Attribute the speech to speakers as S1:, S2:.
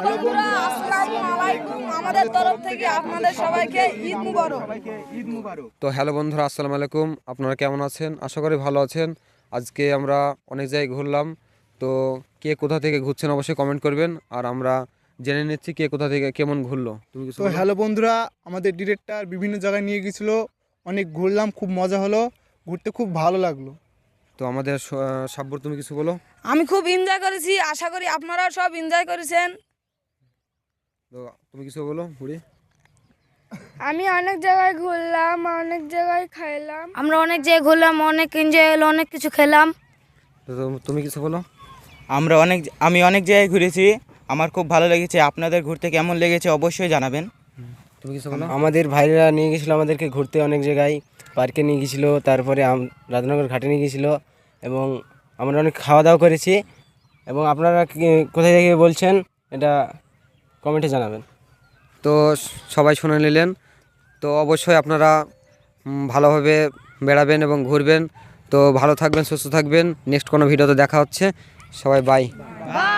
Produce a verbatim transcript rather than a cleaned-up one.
S1: বন্ধুরা, আসসালামু আলাইকুম। আমাদের তরফ থেকে আপনাদের সবাইকে ঈদ মুবারক।
S2: তো হ্যালো বন্ধুরা, আসসালামু আলাইকুম। আপনারা কেমন আছেন? আশা করি ভালো আছেন। আজকে আমরা অনেক জায়গায় ঘুরলাম। তো কে কোথা থেকে ঘুরছেন অবশ্যই কমেন্ট করবেন, আর আমরা জেনে নিচ্ছি কে কোথা থেকে কেমন ঘুরলো। তুমি কিছু
S3: তো
S2: বলো?
S3: হ্যালো বন্ধুরা, আমাদের ডিরেক্টর বিভিন্ন জায়গায় নিয়ে গেছিল, অনেক ঘুরলাম, খুব মজা হলো, ঘুরতে খুব ভালো লাগলো।
S2: তো আমাদের স- সাব্বর, তুমি কিছু বলো।
S1: আমি খুব এনজয় করেছি, আশা করি আপনারা সব এনজয় করেছেন।
S2: তো তুমি কিছু বলো বুড়ি।
S4: আমি অনেক জায়গায় ঘুরলাম, অনেক জায়গায় খাইলাম।
S5: আমরা অনেক জায়গায় ঘুরলাম, অনেক এনজয় হলো, অনেক কিছু খেলাম।
S2: তো তো- তুমি কিছু বলো।
S6: আমরা অনেক আমি অনেক জায়গায় ঘুরেছি, আমার খুব ভালো লেগেছে। আপনাদের ঘুরতে কেমন লেগেছে অবশ্যই জানাবেন।
S2: তুমি কিছু বলো।
S7: আমাদের ভাইরা নিয়ে গেছিলো আমাদেরকে ঘুরতে অনেক জায়গায়, পার্কে নিয়ে গেছিলো, তারপরে আম- রাজনগর ঘাটে নিয়ে গেছিলো, এবং আমরা অনেক খাওয়া দাওয়া করেছি। এবং আপনারা কি- কোথায় থেকে বলছেন এটা কমেন্টে জানাবেন।
S2: তো সবাই শুনে নিলেন। তো অবশ্যই আপনারা উম, ভালোভাবে বেড়াবেন এবং ঘুরবেন। তো ভালো থাকবেন, সুস্থ থাকবেন। নেক্সট কোনো ভিডিওতে দেখা হচ্ছে। সবাই বাই।